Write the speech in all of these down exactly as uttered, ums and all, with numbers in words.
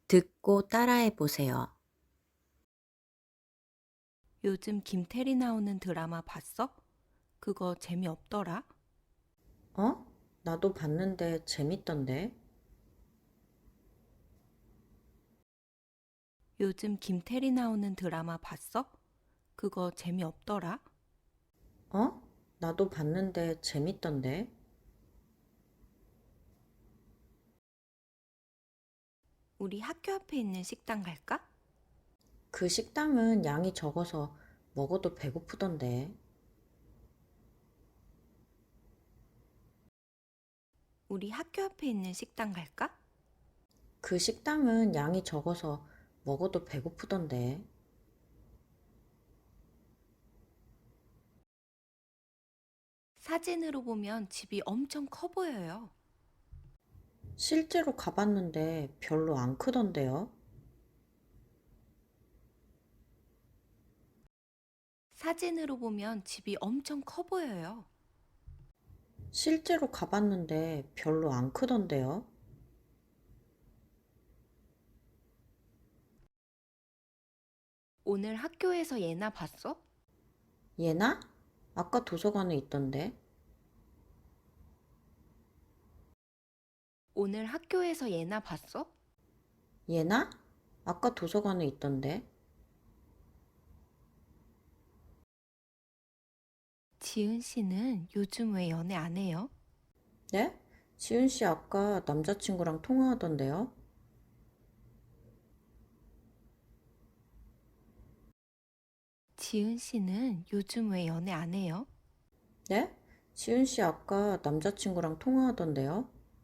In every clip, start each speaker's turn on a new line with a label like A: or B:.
A: 듣고 따라해 보세요.
B: 요즘 김태리 나오는 드라마 봤어? 그거 재미없더라.
A: 어? 나도 봤는데 재밌던데.
B: 요즘 김태리 나오는 드라마 봤어? 그거 재미없더라.
A: 어? 나도 봤는데 재밌던데.
B: 우리 학교 앞에 있는 식당 갈까?
A: 그 식당은 양이 적어서 먹어도 배고프던데.
B: 우리 학교 앞에 있는 식당 갈까?
A: 그 식당은 양이 적어서 먹어도 배고프던데.
B: 사진으로 보면 집이 엄청 커 보여요.
A: 실제로 가봤는데 별로 안 크던데요.
B: 사진으로 보면 집이 엄청 커 보여요.
A: 실제로 가봤는데 별로 안 크던데요.
B: 오늘 학교에서 얘나 봤어?
A: 얘나? 아까 도서관에 있던데.
B: 오늘 학교에서 얘나 봤어?
A: 얘나? 아까 도서관에 있던데.
B: 지은 씨는 요즘 왜 연애 안 해요?
A: 네? 지은 씨 아까 남자친구랑 통화하던데요.
B: 지은 씨는 요즘 왜 연애 안 해요?
A: 네? 지은 씨 아까 남자친구랑 통화하던데요?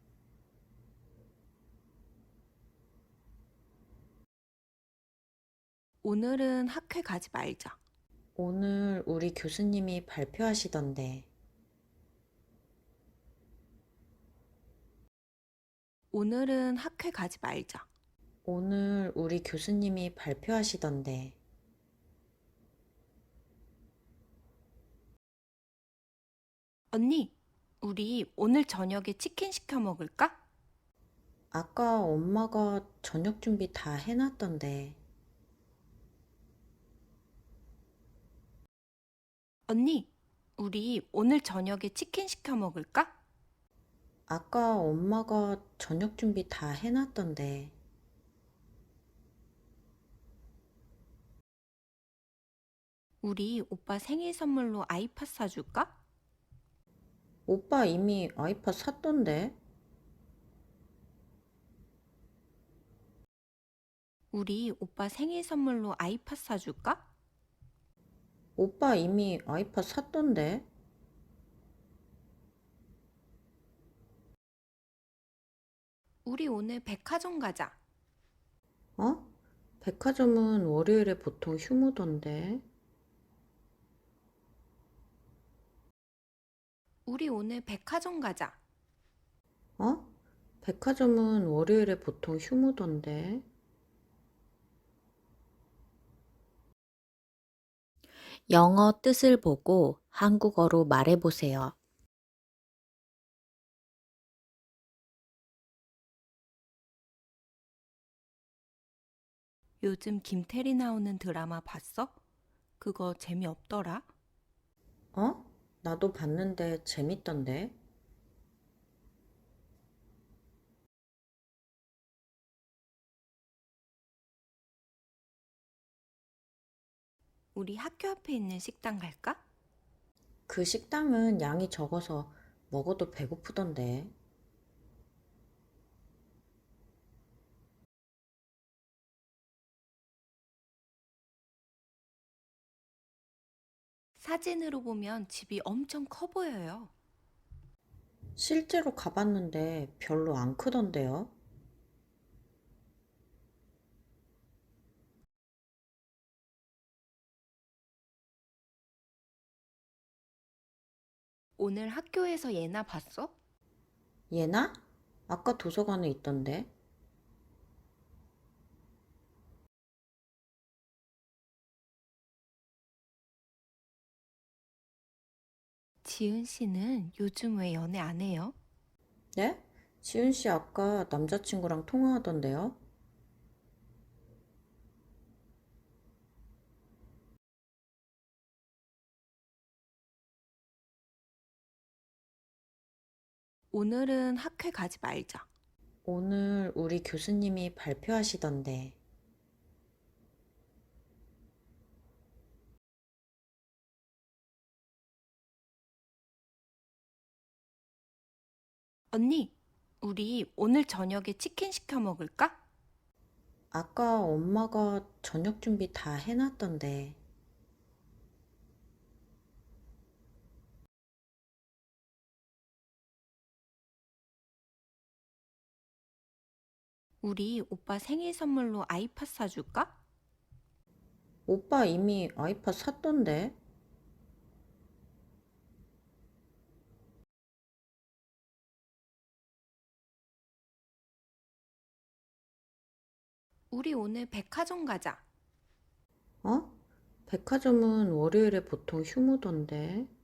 B: 오늘은 학회 가지 말자.
A: 오늘 우리 교수님이 발표하시던데.
B: 오늘은 학회 가지 말자.
A: 오늘 우리 교수님이 발표하시던데.
B: 언니, 우리 오늘 저녁에 치킨 시켜 먹을까?
A: 아까 엄마가 저녁 준비 다 해놨던데.
B: 언니, 우리 오늘 저녁에 치킨 시켜 먹을까?
A: 아까 엄마가 저녁 준비 다 해놨던데.
B: 우리 오빠 생일 선물로 아이팟 사줄까?
A: 오빠 이미 아이팟 샀던데.
B: 우리 오빠 생일 선물로 아이팟 사줄까?
A: 오빠 이미 아이팟 샀던데.
B: 우리 오늘 백화점 가자.
A: 어? 백화점은 월요일에 보통 휴무던데.
B: 우리 오늘 백화점 가자.
A: 어? 백화점은 월요일에 보통 휴무던데. 영어 뜻을 보고 한국어로 말해보세요.
B: 요즘 김태리 나오는 드라마 봤어? 그거 재미없더라.
A: 어? 나도 봤는데 재밌던데.
B: 우리 학교 앞에 있는 식당 갈까?
A: 그 식당은 양이 적어서 먹어도 배고프던데.
B: 사진으로 보면 집이 엄청 커 보여요.
A: 실제로 가봤는데 별로 안 크던데요.
B: 오늘 학교에서 얘나 봤어?
A: 얘나? 아까 도서관에 있던데.
B: 지은 씨는 요즘 왜 연애 안 해요?
A: 네? 지은 씨 아까 남자친구랑 통화하던데요.
B: 오늘은 학회 가지 말자.
A: 오늘 우리 교수님이 발표하시던데.
B: 언니, 우리 오늘 저녁에 치킨 시켜 먹을까?
A: 아까 엄마가 저녁 준비 다 해놨던데.
B: 우리 오빠 생일 선물로 아이팟 사줄까?
A: 오빠 이미 아이팟 샀던데.
B: 우리 오늘 백화점 가자.
A: 어? 백화점은 월요일에 보통 휴무던데.